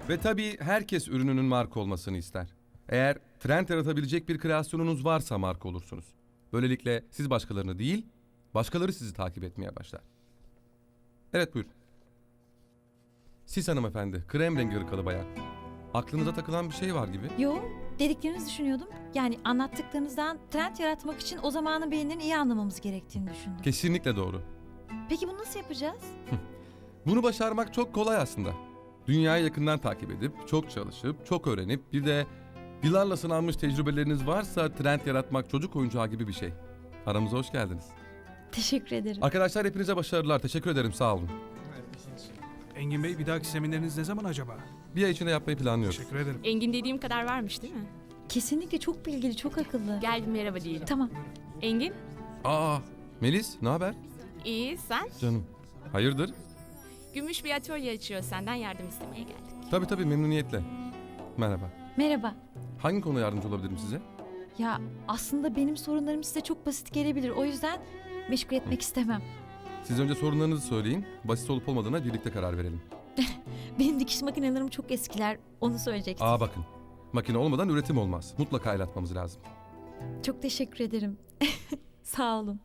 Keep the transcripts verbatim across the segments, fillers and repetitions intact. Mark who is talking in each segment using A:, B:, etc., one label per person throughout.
A: Ve tabii herkes ürününün marka olmasını ister. Eğer trend yaratabilecek bir kreasyonunuz varsa marka olursunuz. Böylelikle siz başkalarını değil, başkaları sizi takip etmeye başlar. Evet, buyurun. Siz hanımefendi, krem rengi ırkalı bayan. Aklınıza takılan bir şey var gibi.
B: Yo, dediklerinizi düşünüyordum. Yani anlattıklarınızdan trend yaratmak için o zamanın beğenilerini iyi anlamamız gerektiğini düşündüm.
A: Kesinlikle doğru.
B: Peki bunu nasıl yapacağız?
A: Bunu başarmak çok kolay aslında. Dünyayı yakından takip edip, çok çalışıp, çok öğrenip, bir de yıllarla sınanmış tecrübeleriniz varsa trend yaratmak çocuk oyuncağı gibi bir şey. Aramıza hoş geldiniz.
B: Teşekkür ederim.
A: Arkadaşlar hepinize başarılar. Teşekkür ederim. Sağ olun.
C: Engin Bey, bir dahaki semineriniz ne zaman acaba?
A: Bir ay içinde yapmayı planlıyoruz.
C: Teşekkür ederim.
D: Engin dediğim kadar varmış değil mi?
B: Kesinlikle çok bilgili, çok akıllı.
D: Gel bir merhaba diyelim.
B: Tamam.
D: Engin,
A: Aa, Melis, ne haber?
D: iyi sen?
A: Canım. Hayırdır?
D: Gümüş bir atölye açıyor, senden yardım istemeye geldik.
A: Tabii tabii, memnuniyetle. Merhaba.
B: Merhaba.
A: Hangi konuda yardımcı olabilirim size?
B: Ya aslında benim sorunlarım size çok basit gelebilir. O yüzden meşgul etmek istemem.
A: Siz önce sorunlarınızı söyleyin. Basit olup olmadığına birlikte karar verelim.
B: Benim dikiş makinelerim çok eskiler. Onu söyleyecektim.
A: Aa bakın. Makine olmadan üretim olmaz. Mutlaka el atmamız lazım.
B: Çok teşekkür ederim. Sağ olun.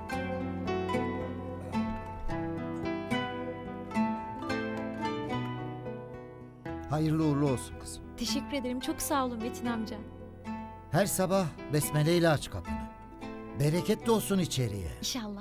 E: Hayırlı uğurlu olsun kızım.
B: Teşekkür ederim. Çok sağ olun Metin amca.
E: Her sabah besmeleyle aç kapını. Bereketli olsun içeriye.
B: İnşallah.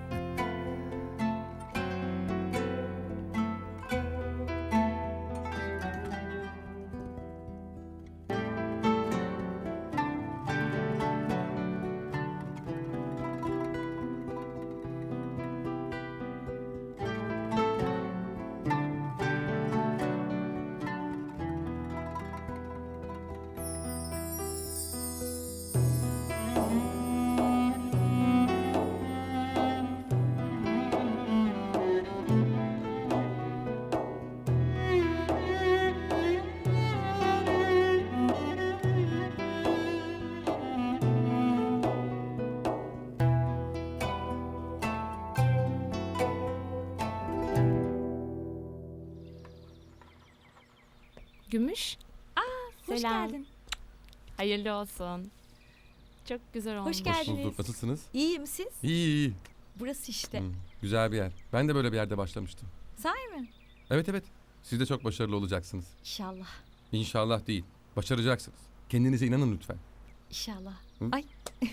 D: Gümüş,
B: Hoş
D: Selam.
B: geldin.
D: hayırlı olsun. Çok güzel olmuş.
B: Hoş geldiniz.
A: Hoş bulduk. Nasılsınız?
B: İyiyim siz?
A: İyi iyi.
B: Burası işte.
A: Hı, güzel bir yer. Ben de böyle bir yerde başlamıştım.
B: Sahi mi?
A: Evet evet. Siz de çok başarılı olacaksınız.
B: İnşallah.
A: İnşallah değil. Başaracaksınız. Kendinize inanın lütfen.
B: İnşallah.
A: Hı?
B: Ay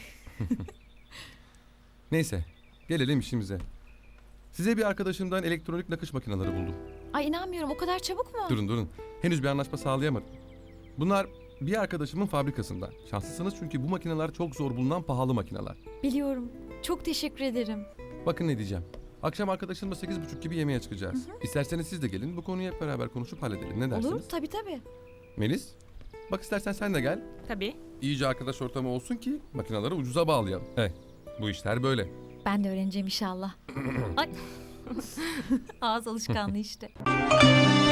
A: Neyse. Gelelim işimize. Size bir arkadaşımdan elektronik nakış makineleri buldum.
B: ay inanmıyorum. O kadar çabuk mu?
A: Durun durun. Henüz bir anlaşma sağlayamadım. Bunlar bir arkadaşımın fabrikasında. Şanslısınız çünkü bu makineler çok zor bulunan pahalı makineler.
B: Biliyorum. Çok teşekkür ederim.
A: Bakın ne diyeceğim. Akşam arkadaşımla sekiz buçuk gibi yemeğe çıkacağız. İsterseniz siz de gelin. Bu konuyu hep beraber konuşup halledelim. Ne dersiniz?
B: Olur tabii tabii.
A: Melis, bak istersen sen de gel.
D: Tabii.
A: İyice arkadaş ortamı olsun ki makineleri ucuza bağlayalım. Eh, bu işler böyle.
B: Ben de öğreneceğim inşallah. Ay. Ağız alışkanlığı işte.